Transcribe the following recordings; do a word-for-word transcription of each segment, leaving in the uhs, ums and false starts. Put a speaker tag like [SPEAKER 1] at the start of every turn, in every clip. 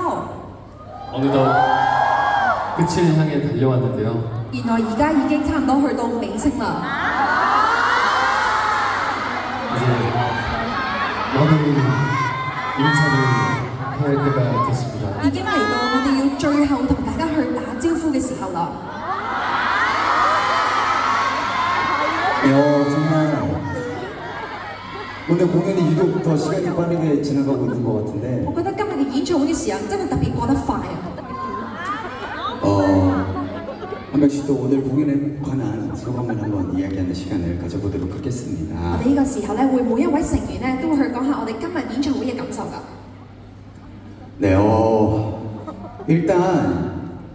[SPEAKER 1] 어느덧 끝을 향해 달려왔는데요.
[SPEAKER 2] 原來而家已經差唔多去到尾聲啦。
[SPEAKER 1] 이제 마무리 인사를 해야 할 때가 됐습니다.
[SPEAKER 2] 已經嚟到我哋要最後同大家去打招呼嘅時候啦。
[SPEAKER 3] 어, 정말 오늘 공연이 유독 더 시간이 빠르게 지나가고 있는 것 같은데
[SPEAKER 2] 我覺得今日嘅演唱會嘅時候真係特別過得快啊！
[SPEAKER 3] 어, 한 명씩 또 오늘 공연에 관한 소감을 한번 이야기하는 시간을 가져보도록
[SPEAKER 2] 我
[SPEAKER 3] 하겠습니다.
[SPEAKER 2] 哋呢個時候咧，會每一位成員咧都會去講下我哋今日演唱會嘅感受㗎。
[SPEAKER 3] 네, 어, 일단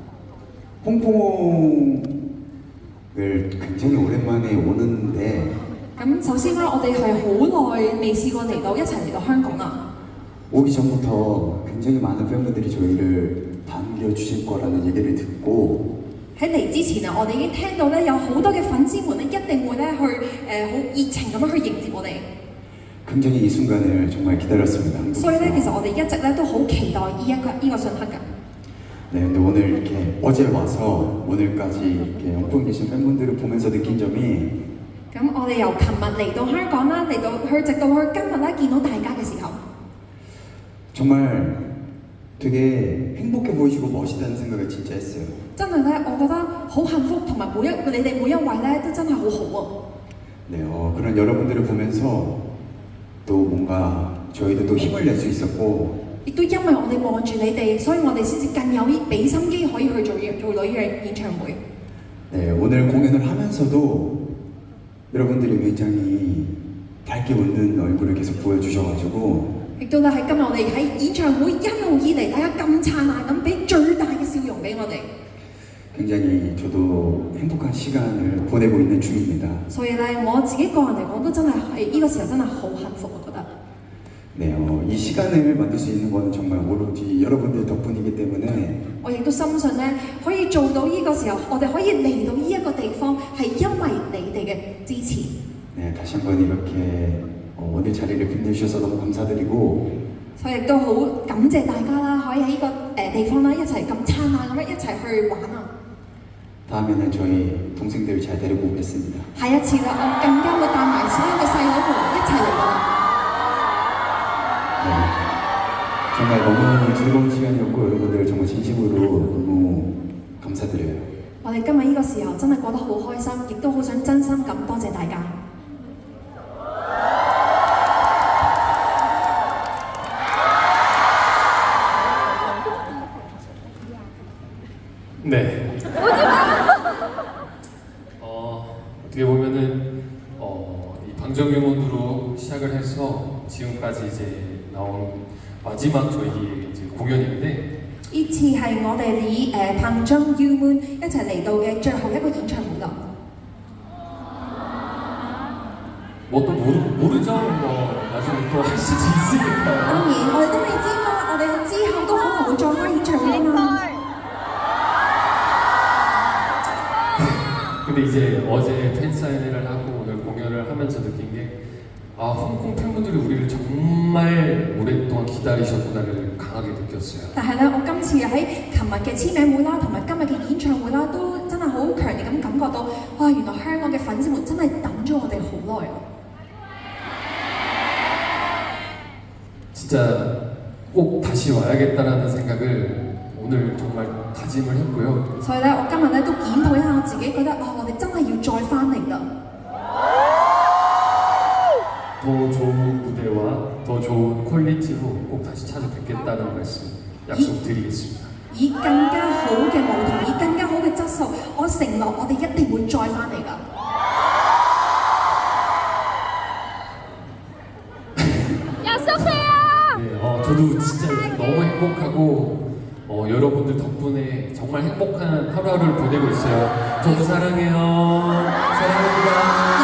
[SPEAKER 3] 홍콩을 굉장히 오랜만에 오는데
[SPEAKER 2] 咁首先啦，我哋係好耐未試過嚟到一齊嚟到香港啦。
[SPEAKER 3] 오기 전부터 굉장히 많은 팬분들이 저희를 반겨주실 거라는 얘기를 듣고
[SPEAKER 2] 喺嚟之前啊，我哋已經聽到咧有好多嘅粉絲們咧一定會咧去誒好熱情咁樣去迎接我哋。
[SPEAKER 3] 굉장히 이 순간을 정말 기다렸습니다.
[SPEAKER 2] 所以咧，其
[SPEAKER 3] 한국에서.
[SPEAKER 2] 實我哋一直咧都好期待呢一個呢個信刻㗎。
[SPEAKER 3] 네, 근데 오늘 이렇게 어제 와서 오늘까지 이렇게 홍콩에 계신 팬분들을 보면서 느낀 점이
[SPEAKER 2] 咁我哋由琴日嚟到香港啦，嚟到去直到去今日咧見到大家嘅時候，
[SPEAKER 3] 정말 되게 행복해 보이시고 멋있다는 생각을 진짜 했어요.
[SPEAKER 2] 真係咧，我覺得好幸福，同埋每一你哋每一位咧都真係好好啊！
[SPEAKER 3] 네, 어, 그런 여러분들을 보면서 또 뭔가 저희도 또 힘을 낼 수 있었고
[SPEAKER 2] 亦都因為我哋望住你哋，所以我哋先至更有俾心機可以去做做女嘅演唱會。
[SPEAKER 3] 네, 오늘 공연을 하면서도 여러분들이 굉장히 밝게 웃는 얼굴을 계속 보여주셔가지고
[SPEAKER 2] 亦都咧喺今日我哋喺演唱會一路以嚟，大家咁燦爛咁俾最大嘅笑容俾我哋，
[SPEAKER 3] 굉장히 저도 행복한 시간을 보내고 있는 중입니다.
[SPEAKER 2] 所以咧我自己個人嚟講都真係係呢個時候真係好幸福，我覺得。
[SPEAKER 3] 네, 어, 이 시간을 만들 수 있는 거는 정말 오로지 여러분들 덕분이기 때문에
[SPEAKER 2] 我亦都深信咧，可以做到呢個時候，我哋可以嚟到呢一個地方，係因為你哋嘅支持。
[SPEAKER 3] 네, 다시 한번 이렇게 어, 오늘 자리를 빛내주셔서 너무 감사드리고
[SPEAKER 2] 所以亦都好感謝大家啦，可以喺呢個誒地方啦，一齊咁燦爛咁樣一齊去玩啊！
[SPEAKER 3] 다음에는 저희 동생들 잘 데리고 오겠습니다.
[SPEAKER 2] 下一次啦，我更加會帶埋所有嘅細佬們一齊嚟㗎啦。
[SPEAKER 3] 네, 정말 너무 즐거운 시간이었고 여러분들 정말 진심으로 너무 감사드려요.
[SPEAKER 2] 我哋今日呢個時候真係過得好開心，亦都好想真心咁多謝大家。
[SPEAKER 1] 네. 어, 어떻게 보면은 어, 이 방정유문으로 시작을 해서 지금까지 이제 나온 마지막 저희 이제 공연인데
[SPEAKER 2] 呢次係我哋以誒彭章 U Moon 一齊嚟到嘅最後一個演唱會啦。
[SPEAKER 1] 뭐 또 모르, 모르죠. 뭐 나중에 또 할 수도 있으니까.
[SPEAKER 2] 當然我哋都未知啦，我哋之後都可能會再開演唱會㗎嘛。
[SPEAKER 1] 근데 이제 어제 팬 사인회를 하고 오늘 공연을 하면서 느낀 게 아, 홍콩 팬분들이 우리를 정말 오랫동안 기다리셨구나를 강하게 느꼈어요.
[SPEAKER 2] 但係咧，我今次喺琴日嘅簽名會啦，同埋今日嘅演唱會啦，都真係好強烈咁感覺到，哇！原來香港嘅粉絲們真係等咗我哋好耐啊！
[SPEAKER 1] 진짜 꼭 다시 와야겠다라는 생각을 오늘 정말 다짐을 했고요.
[SPEAKER 2] 所以咧，我今日咧都檢討一下我自己，覺得啊，我哋真係要再翻嚟啦！
[SPEAKER 1] 더 좋은 무대와 더 좋은 퀄리티로 꼭 다시 찾아뵙겠다는 말씀 약속드리겠습니다.
[SPEAKER 2] 以更加好嘅舞台，以更加好嘅質素，我承諾我哋一定會再翻嚟㗎。
[SPEAKER 1] 네, 어, 저도 진짜 요즘 너무 행복하고 어, 여러분들 덕분에 정말 행복한 하루하루를 보내고 있어요. 저도 사랑해요. 사랑합니다.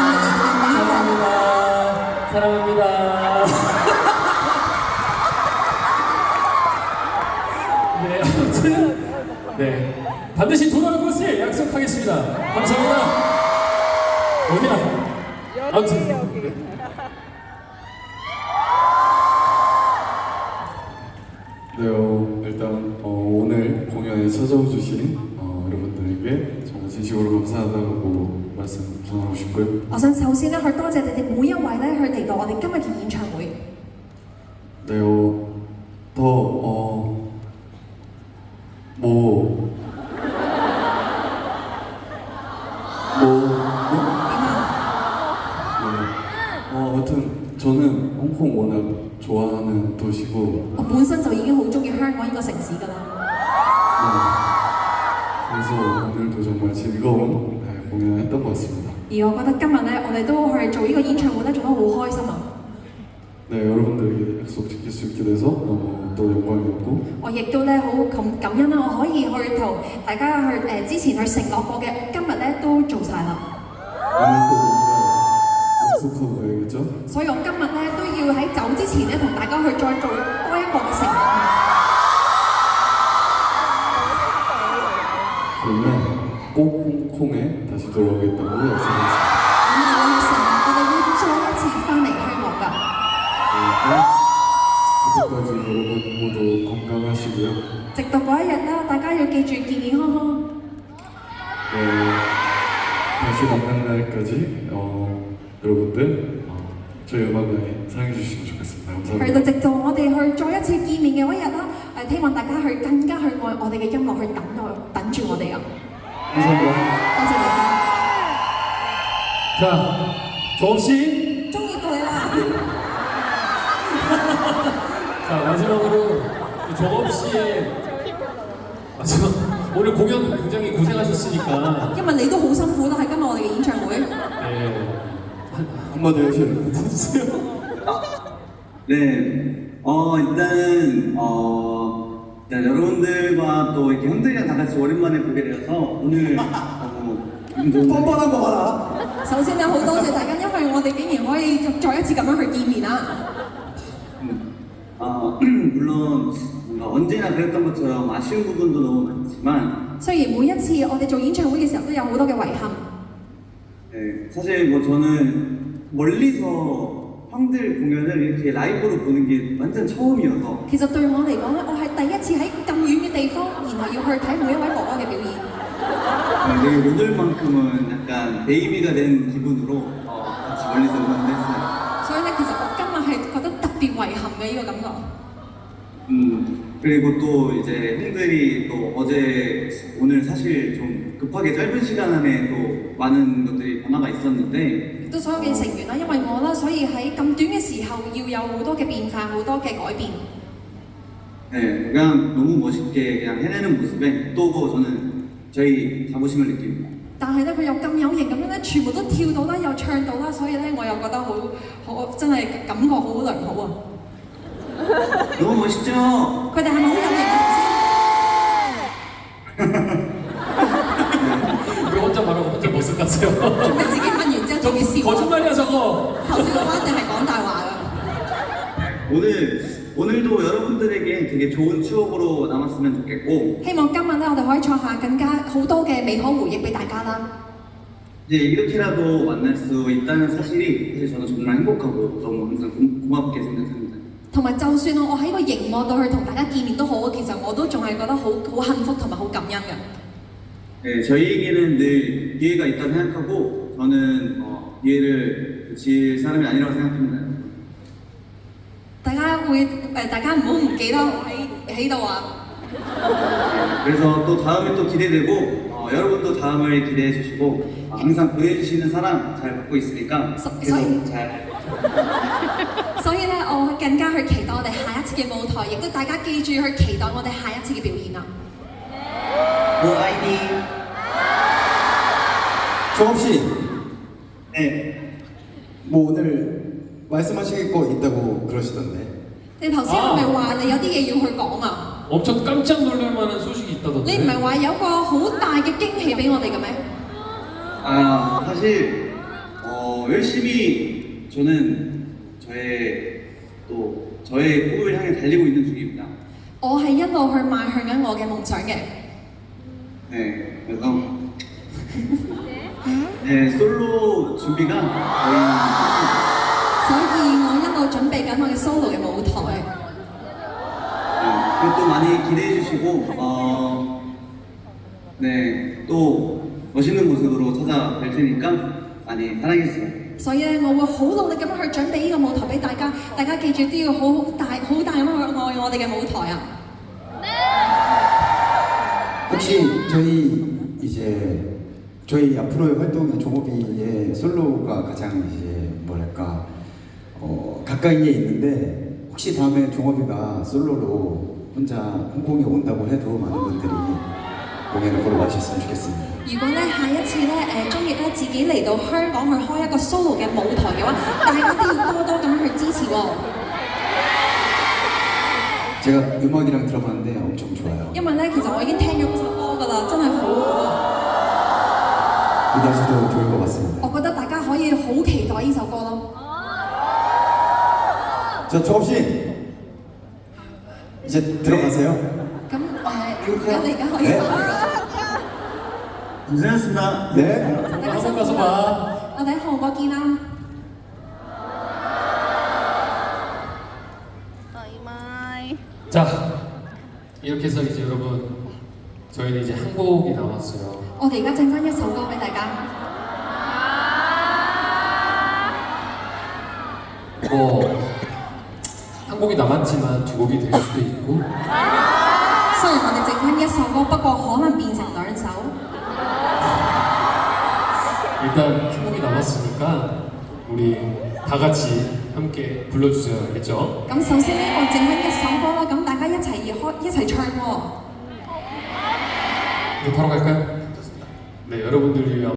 [SPEAKER 1] 사랑합니다. 사랑합니다. 네, 아무튼 네 반드시 돌아올 것을 약속하겠습니다. 감사합니다. 어디야? 아무튼. 네. 네, 어,
[SPEAKER 4] 일단 어, 오늘 공연에 찾아와 주신 어, 여러분들에게 정말 진심으로 감사하다고 말씀 전하고 싶고요.
[SPEAKER 2] 我想首先咧去多謝你哋每一位咧去嚟到我哋今日嘅演唱會。
[SPEAKER 4] 네, 어, 더, 어, 뭐, 뭐, 뭐?
[SPEAKER 2] 點啊？
[SPEAKER 4] 네. 어, 아무튼 저는 홍콩 워낙 좋아하는 도시고,
[SPEAKER 2] 我本身就已經好中意香港呢個城市㗎啦。
[SPEAKER 4] 네. 그래서 오늘도 정말 즐거운 네, 공연을 했던 것 같습니다.
[SPEAKER 2] 而我覺得今日咧，我哋都去做呢個演唱會咧，做得好開心啊！
[SPEAKER 4] 네, 여러분들에게 약속 지킬 수 있게 돼서 너무 또 영광이었고,
[SPEAKER 2] 我亦都咧好感感恩啦，我可以去同大家去誒、呃、之前去承諾過嘅，我今日咧都做晒啦。
[SPEAKER 4] 오늘 또 뭔가 약속하고 가야겠죠?
[SPEAKER 2] 所以我今日咧都要喺走之前咧同大家去再做多一個嘅承諾。
[SPEAKER 4] 그러면 꼭 홍콩에 다시 돌아오겠다고 약속했습니다.
[SPEAKER 2] 咁我會去承諾，我哋會再一次翻嚟香港㗎。
[SPEAKER 4] 그때까지 여러분 모두 건강하시고요.
[SPEAKER 2] 直到嗰一日啦，大家要記住健健康康。
[SPEAKER 4] 네, 다시 만나는 날까지 어, 여러분들 어, 저희 음악을 사랑해 주시면 좋겠습니다.
[SPEAKER 2] 去
[SPEAKER 4] 감사합니다.
[SPEAKER 2] 到直到我哋去再一次見面嘅嗰一日啦，誒希望大家去更加去愛我哋嘅音樂，去等我等住我哋啊！
[SPEAKER 4] 감사합니다.
[SPEAKER 2] 多謝大家，
[SPEAKER 1] 자, 조업 씨.
[SPEAKER 2] 中意到你啦！
[SPEAKER 1] 자, 마지막으로 조업 씨의 마지막 오늘 공연 굉장히 고생하셨으니까
[SPEAKER 2] 因為你都好辛苦啦，喺今日我哋嘅演唱會。
[SPEAKER 1] 네,
[SPEAKER 4] 한마디 하시는
[SPEAKER 1] 해주세요.
[SPEAKER 5] 네, 어 일단은 어 일단 여러분들과 또 이렇게 형들이랑 다 같이 오랜만에 보게 되어서 오늘 어, 기분 좋은
[SPEAKER 3] 뻔뻔한 거 봐라.
[SPEAKER 2] 首先咧，好多謝大家，因為我哋竟然可以再一次咁樣去見面啦。
[SPEAKER 5] 어, 물론 뭔가 언제나 그랬던 것처럼 아쉬운 부분도 너무 많지만
[SPEAKER 2] 雖然每一次我哋做演唱會嘅時候都有好多嘅遺憾，
[SPEAKER 5] 네, 사실 뭐 저는 멀리서 형들 공연을 이렇게 라이브로 보는 게 완전 처음이어서
[SPEAKER 2] 其實對我嚟講咧，我係第一次喺咁遠嘅地方，然後要去睇每一位哥哥嘅表演。
[SPEAKER 5] 네, 되게 오늘만큼은 약간 베이비가 된 기분으로 어, 같이 멀리서 응원을 했어요.
[SPEAKER 2] 所以咧，其實我今日係覺得特別遺憾嘅呢個感覺。
[SPEAKER 5] 음, 그리고 또 이제 형들이 또 어제 오늘 사실 좀 급하게 짧은 시간 안에 또 많은 것들이 변화가 있었는데
[SPEAKER 2] 亦都所有嘅成員啦，因為我啦，所以喺咁短嘅時候要有好多嘅變化，好多嘅改變。
[SPEAKER 5] 네, 그냥 너무 멋있게 그냥 해내는 모습에 또 저는 저희 자부심을 느낍니다.
[SPEAKER 2] 但係咧，佢又咁有型咁樣咧，全部都跳到啦，又唱到啦，所以咧，我又覺得好好真係感覺好良好啊！
[SPEAKER 5] 너무 멋있죠?
[SPEAKER 2] 佢哋係咪好有型啊？
[SPEAKER 1] 왜 혼자 말하고 혼자 모습 같아요?
[SPEAKER 2] 做咩自己問完之後自己
[SPEAKER 1] 저
[SPEAKER 2] 笑啊？
[SPEAKER 1] 거짓말이야 저거.
[SPEAKER 2] 頭先嘅話一定係講大話㗎。
[SPEAKER 5] 오늘 오늘도 여러분들에게 되게 좋은 추억으로 남았으면 좋겠고
[SPEAKER 2] 希望今日咧，我哋可以創下更加好多嘅美好回憶俾大家啦。
[SPEAKER 5] 이제 이렇게라도 만날 수 있다는 사실이 사실 저는 정말 행복하고 너무 항상 고, 고맙게 생각합니다.
[SPEAKER 2] 同埋就算我喺個熒幕度去同大家見面都好，其實我都仲係覺得好好幸福同埋好感恩嘅。
[SPEAKER 5] 네, 저희에게는 늘 기회가 있다고 생각하고 저는 어, 기회를 놓칠 사람이 아니라고 생각합니다.
[SPEAKER 2] 大家會誒，大家唔好唔記得我喺喺度啊！
[SPEAKER 5] 네, 그래서 또 다음이 또 기대되고 어, 여러분도 다음을 기대해 주시고 어, 항상 보내주시는 사랑 잘 받고 있으니까
[SPEAKER 2] 서-
[SPEAKER 5] 계속
[SPEAKER 2] 서희.
[SPEAKER 5] 잘
[SPEAKER 2] 所以咧，我更加去期待我哋下一次嘅舞台，亦都大家記住去期待我哋下一次嘅表演啊！
[SPEAKER 5] 뭐 아이디
[SPEAKER 3] 조업 씨,
[SPEAKER 5] 네,
[SPEAKER 3] 뭐 오늘 말씀하실 거 있다고 그러시던데.
[SPEAKER 2] 你頭先係咪話你有啲嘢要去講啊？
[SPEAKER 1] 엄청 깜짝 놀랄 만한 소식이
[SPEAKER 2] 你
[SPEAKER 1] 있다던데.
[SPEAKER 2] 唔係話有個好大嘅驚喜俾我哋嘅咩？
[SPEAKER 5] 아 사실 어, 열심히 저는 저의 또 저의 꿈을 향해 달리고 있는 중입니다.
[SPEAKER 2] 我係一路去邁向緊我嘅夢想嘅。
[SPEAKER 5] 네, 그래서 네, 솔로 준비가 거의
[SPEAKER 2] 所以我一路準備緊我嘅 solo 嘅舞台。
[SPEAKER 5] 네, 그리고 또 많이 기대해 주시고 어, 네, 또 멋있는 모습으로 찾아뵐 테니까 많이 사랑해주세요.
[SPEAKER 2] 所以咧，我會好努力咁樣去準備呢個舞台俾大家，大家記住都要好好大好大咁樣去愛我哋嘅舞台啊！
[SPEAKER 3] 혹시 저희 이제 저희 앞으로의 활동의 종업이의 솔로가 가장 이제 뭐랄까 어, 가까이에 있는데 혹시 다음에 종업이가 솔로로 혼자 홍콩에 온다고 해도 많은 분들이 공연을 보러 와주셨으면 좋겠습니다.
[SPEAKER 2] 如果咧下一次咧誒中意咧自己嚟到香港去開一個 solo 嘅舞台嘅話，大家都要多多咁去支持喎。
[SPEAKER 3] 제가 음악이랑 들어봤는데 엄청 좋아요.
[SPEAKER 2] 因為咧其實我已經聽咗嗰首歌㗎啦，真係好好啊！
[SPEAKER 3] 기대하셔도 좋을 것 같습니다.
[SPEAKER 2] 我覺得大家可以好期待呢首歌咯。
[SPEAKER 3] 자, 조업 씨 이제 들어가세요.
[SPEAKER 2] 咁誒，而家你而家可以
[SPEAKER 3] 呢
[SPEAKER 2] 走啦。
[SPEAKER 5] 고생하셨습니다.
[SPEAKER 3] 네.
[SPEAKER 2] 大家辛苦啦，我哋喺韓國見啦。
[SPEAKER 1] 자, 이렇게 해서 이제 여러분 저희는 이제 한 곡이 남았어요.
[SPEAKER 2] 我哋而家整翻一首歌俾大家。
[SPEAKER 1] 뭐 한 곡이 남았지만 두 곡이 될 수도 있고
[SPEAKER 2] 雖然我哋整翻一首歌，不過可能變成兩首。
[SPEAKER 1] 일단 한 곡이 남았으니까 우리 다 같이 함께 불러주세요. 알겠죠?
[SPEAKER 2] 咁首先咧，我整翻一首歌啦，咁大家一齊要開一齊唱喎。
[SPEAKER 1] 이제 바로 갈까요? 네, 여러분들 위해